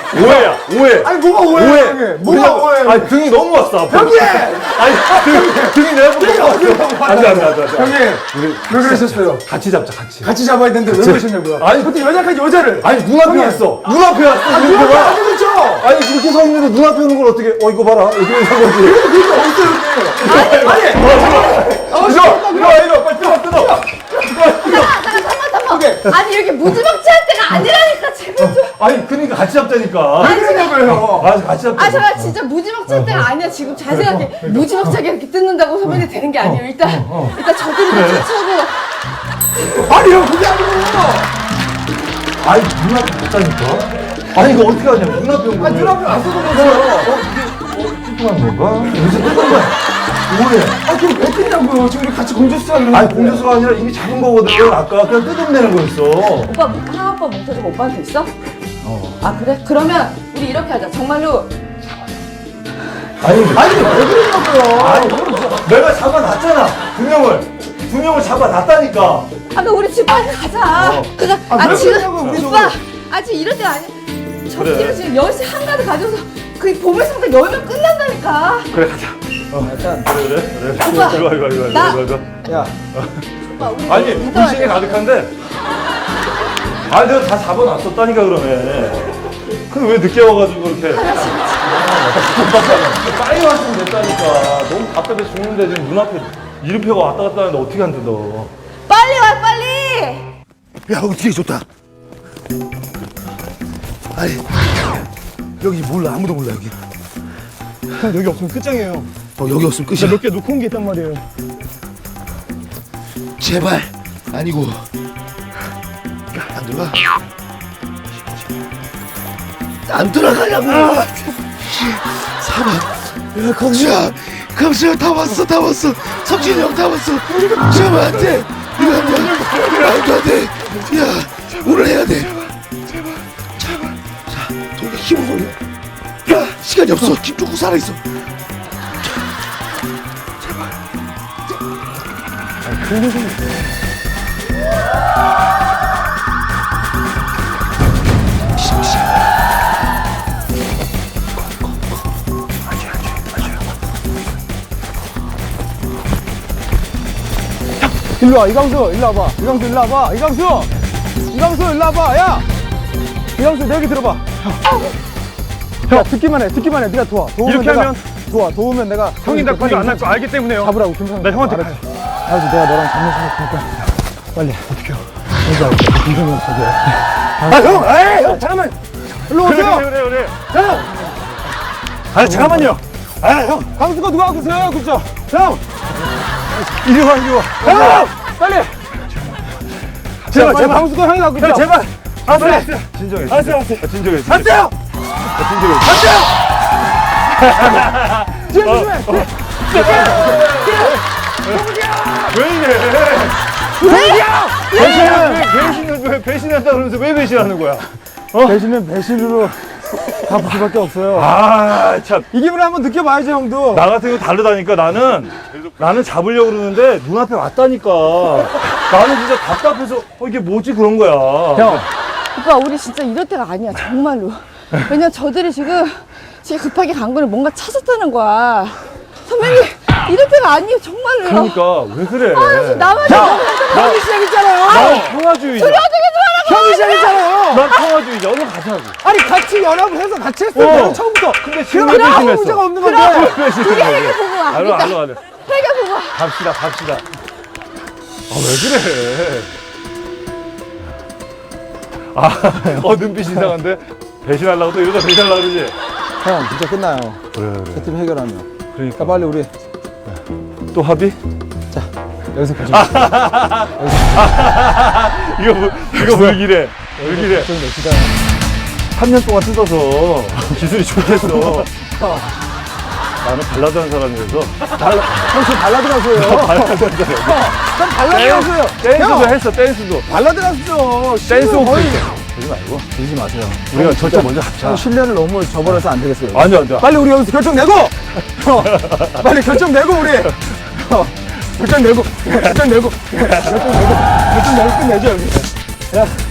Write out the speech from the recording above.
오해야, 오해. 아니 뭐가 오해야 오해. 형님? 뭐가 오해야? 아니 등이 너무 왔어. 앞으로. 형님! 아니 등이 내가 너무 왔어. 안돼. 형님 왜 그러셨어요? 같이 잡자, 같이. 같이 잡아야 되는데 왜 그러셨냐고요? 아니, 어떻게 여자까지 여자를? 아니 눈앞에 형님. 왔어. 눈앞에 왔어. 아 이렇게 누가 봐. 안 되겠죠? 아니 그렇게 서 있는데 눈앞에 오는 걸 어떻게? 이거 봐라. 이렇게 해서 거지. 그러니까 어때요 형님? 아니 이거 빨리 뜯어. 잠깐만. 아니 이렇게 무지막지할 때가 아니라니까 제발 좀. 아니 그러니까 같이 잡자니까. 왜 그러냐고요? 아 같이 잡자. 아 잠깐 진짜 무지막지할 때가 아니야. 지금 잘 생각해. 무지막지하게 이렇게 뜯는다고 소변이 되는 게 아니에요. 일단 저들이 천천히. 아니 형 그게 아니고 아니 눈앞에 왔다니까. 아니 이거 어떻게 하냐고. 눈앞에 온 거야. 눈앞에 왔어도 그러세요. 뚱뚱한 건가? 여기서 뚱뚱한 거야. 뭐해? 아 그럼 왜 뜯냐고요? 지금 우리 같이 공주수 하는 아니 공주수가 아니라 이미 잡은 거거든. 아까 그냥 뜯어내는 거였어. 오빠 하나오빠 뭉쳐주고 오빠한테 있어? 아 그래? 그러면 우리 이렇게 하자. 정말로 아니 왜 그러냐고요? 아니 내가 잡아놨잖아. 두 명을 잡아놨다니까. 아 그럼 우리 집 빨리 가자. 그냥 왜 지금 그러냐고요, 우리 오빠 지금 이럴 때가 아니야. 저기를 그래. 지금 10시 한가득 가져서 그 보물상자 열면 끝난다니까. 그래 가자. 일단 그래. 오빠, 이거. 야 오빠 우리 아니 이따 불신이 와야 돼. 가득한데. 아니 내가 다 잡아놨었다니까 그러네. 근데 왜 늦게 와가지고 이렇게. 빨리 왔으면 됐다니까. 너무 답답해 죽는데 지금 눈앞에 이름표가 왔다 갔다 하는데 어떻게 안 뜯어. 빨리 와 빨리. 야, 어떻게 좋다. 아니, 여기 몰라. 아무도 몰라, 여기. 여기 없으면 끝장이에요. 여기 없으면 끝이야. 몇 개 놓고 온 게 있단 말이에요. 제발. 아니고. 안 들어가? 안 들어가냐고! 사방. 야, 강수야, 다 왔어. 석진이 형 다 왔어. 제발 안 돼. 이거 안 돼. 말도 안 돼. 야, 오늘 해야 돼. 제발. 자, 돌려 힘을 돌려. 야, 시간이 없어. 김 쫓고 살아있어. 일로 와 이강수 일로 와봐. 이강수 일로 와봐. 이강수 일로 와봐. 야 이강수 내 얘기 들어봐. 야 듣기만 해. 네가 도와. 이렇게 하면 도우면 내가 형이 나 관계 안할 거 알기 때문에요. 잡으라고 김상. 나 형한테 알았지. 알았지. 내가 너랑 잡는 생각 테니까 빨리 어떻게 해요? 먼저 할게. 김상이 저기. 형 잠깐만. 일로 오세요. 그래. 형. 아 잠깐만요. 강수가 누가 하고 있어요? 그쵸? 형. 이리 와. 형. 빨리. 제발. 강수가 형이 갖고 있어. 제발. 빨리. 진정해. 알았어요. 진정해. 안돼요. 뒤에 조심해. 왜 이래? 배신한다 그러면서 왜 배신하는 거야? 배신은 배신으로 갚을 수밖에 없어요. 아 참. 이 기분을 한번 느껴봐야지 형도. 나 같은 거 다르다니까. 나는 잡으려고 그러는데 눈앞에 왔다니까. 나는 진짜 답답해서 이게 뭐지 그런 거야. 형. 오빠 우리 진짜 이럴 때가 아니야 정말로. 왜냐면 저들이 지금 급하게 간 거는 뭔가 찾았다는 거야. 선배님 이럴 때가 아니에요 정말로요. 그러니까 왜 그래? 나만 형이 시작했잖아요. 난 평화주의자. 형이 시작했잖아요. 난 평화주의자. 얼른 가자고. 아니 같이 연합을 해서 같이 했어요. 처음부터. 근데 그럼 지금 아무 배신했어. 문제가 없는 건데. 우리 해결 보고 와. 알로. 해결 보고 와. 갑시다. 왜 그래? 눈빛 이상한데? 배신하려고 또 이러다 배신하려고 그러지? 형 진짜 끝나요. 그래. 세팀 해결하면. 그러니까. 자 빨리 우리 또 합의? 자 여기서 결정. 이거 물기래. 좀 냅시다. 3년 동안 뜯어서 기술이 좋겠어. 나는 발라드 하는 사람이라서. 형 지금 발라드 가수예요. 발라드 하는 사람. 난 발라드 가수예요. 댄스도 했어, 댄스도. 발라드 가수죠. 댄스 거의. 오프. 그러지 말고. 그러지 마세요. 우리가 절대 먼저 합쳐. 형 신뢰를 너무 저버려서 안 되겠어요. 안 돼. 빨리 우리 여기서 결정 내고. 빨리 결정 내고 우리. 결정 내고 끝내죠 여기. 야.